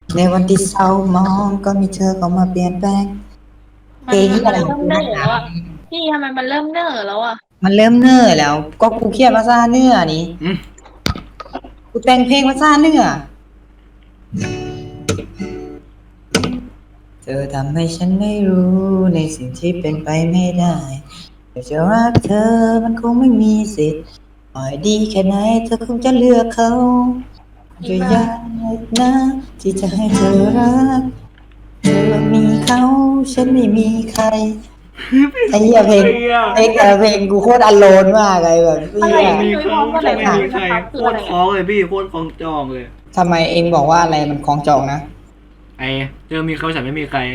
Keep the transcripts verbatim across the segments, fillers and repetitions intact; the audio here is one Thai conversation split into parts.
ในวันที่เศร้ามองก็มีเธอเข้ามาเปลี่ยนแปลงเพมันลงที่มันเริ่มอะไรของกูเน่อแล้วนักหนาอ่ะพี่ทำไมมันเริ่มเน่อแล้วอ่ะมันเริ่มเน่อแล้วก็กูเครียดมาซ่าเนื้อนี่อืมกูแต่งเพลงมาซ่าเนื้อเธอทำให้ฉันไม่รู้ในสิ่งที่เป็นไปไม่ได้แต่จะรักเธอมันคงไม่มีสิทธิ์ต่อยดีแค่ไหนเธอคงจะเลือกเขาจะอีบ้ายากนะที่จะให้เธอรักเธอมีเขาฉันไม่มีใครไอ้เหี้ยเพลงไอ้เหี้ยเพลงแต่ละเพลงกูโคตรอโลนมากเลยแบบอะเหี้ไรยจะมีพี่นุ้ยพเขาร้อมกันหจะไม่ลายๆมีใครเลยนะครับโคคืออะไรอ่ะตรคล้องเลยพี่โคตรคล้องจองเลยทำไมเองบอกว่าอะไรมันคล้องจองนะไอ้เจอมีเขาฉันไม่มีใคร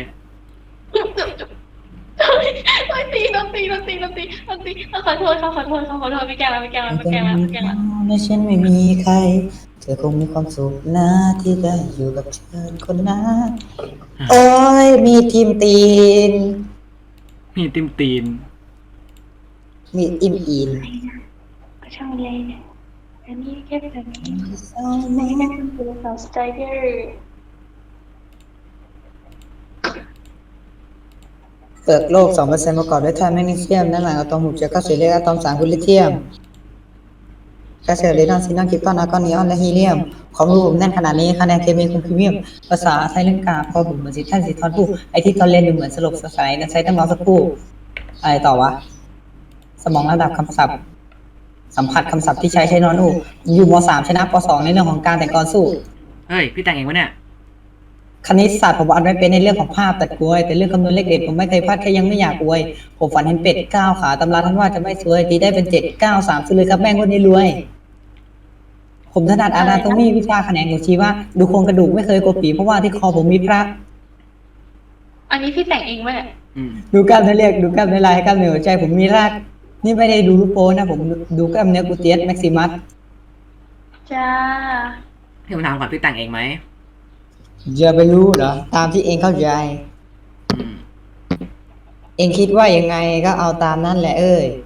โอ้ยตีโดนตีโดนตีโดนตีโดนตีขอโทษเขาขอโทษเขาขอโทษไม่แกล้งแล้วไม่แกล้งแล้วไม่เธอแกล้งแล้วมีไม่แกล้งเขาแล้วและฉันไม่มีใครเธอคงมีความสุขนะที่ได้อยู่กับเธอคนนั้นโอ้ยมีทีมตีนมีติมตีนมีอิมอีนก็ช่างเลยอันนี้แค่แบบนี้เศร้าอันนี้แค่มากเป็นตัวสาวสไตเกอร์เปลือกโลก สองเปอร์เซ็นต์ ประกอบด้วยธาตุแมกนีเซียมด้านหลังอะตอมหกเจือเก้าสิบเลขอะตอมสามคือลิเธียมแคลเซียมเรดอนซินอนคริปตอนอาร์กอนนีออนและฮีเลียมความรู้ผมแน่นขนาดนี้คะแนนเคมีคงพรีเมียมภาษาไทยเรื่องกาพอบุ๋มเหมือนสิท่านสิทอนผู้ไอที่ตอนเรียนดูเหมือนสลบสลายกันใช้ตั้งรอสักครู่อะไรต่อวะสมองระดับคำศัพท์สัมผัสคำศัพท์ที่ใช้ใช้นอนอูอยู่ม สามชนะป สองในเรื่องของการแต่งกลอนสู้เฮ้ยพี่แต่งเองวะเนี่ยคณิตศาสตร์ผมอ่านไม่เป็นในเรื่องของภาพแต่กลวยแต่เรื่องคำนวณเลขเด็ดผมไม่เคยพลาดแค่ยังไม่อยากอวยผมฝันเห็นเป็ดเก้าขาตำราท่านว่าจะไม่สวยตีได้เป็นเจ็ดเก้าสามซื้อเลยครับแม่งคนนี้รวยผมถนัดอานาโตมีวิชาแขนงของชีวะดูโครงกระดูกไม่เคยกดปีเพราะว่าที่คอผมมีพระอันนี้พี่แต่งเองไหมเนี่ยอืมดูกล้ามเนื้อเรียกดูกล้ามเนื้อลายกล้ามเนื้อหัวใจผมมีรากนี่ไม่ได้ดูรูปโป้นะผมดูกล้ามเนื้อกูเตียสแม็กซิมัสจ้าพี่ผมถามก่อนพี่แต่งเองไหมอย่าไปรู้เหรอตามที่เองเข้าใจอืมเองคิดว่ายังไงก็เอาตามนั่นแหละเอ้ย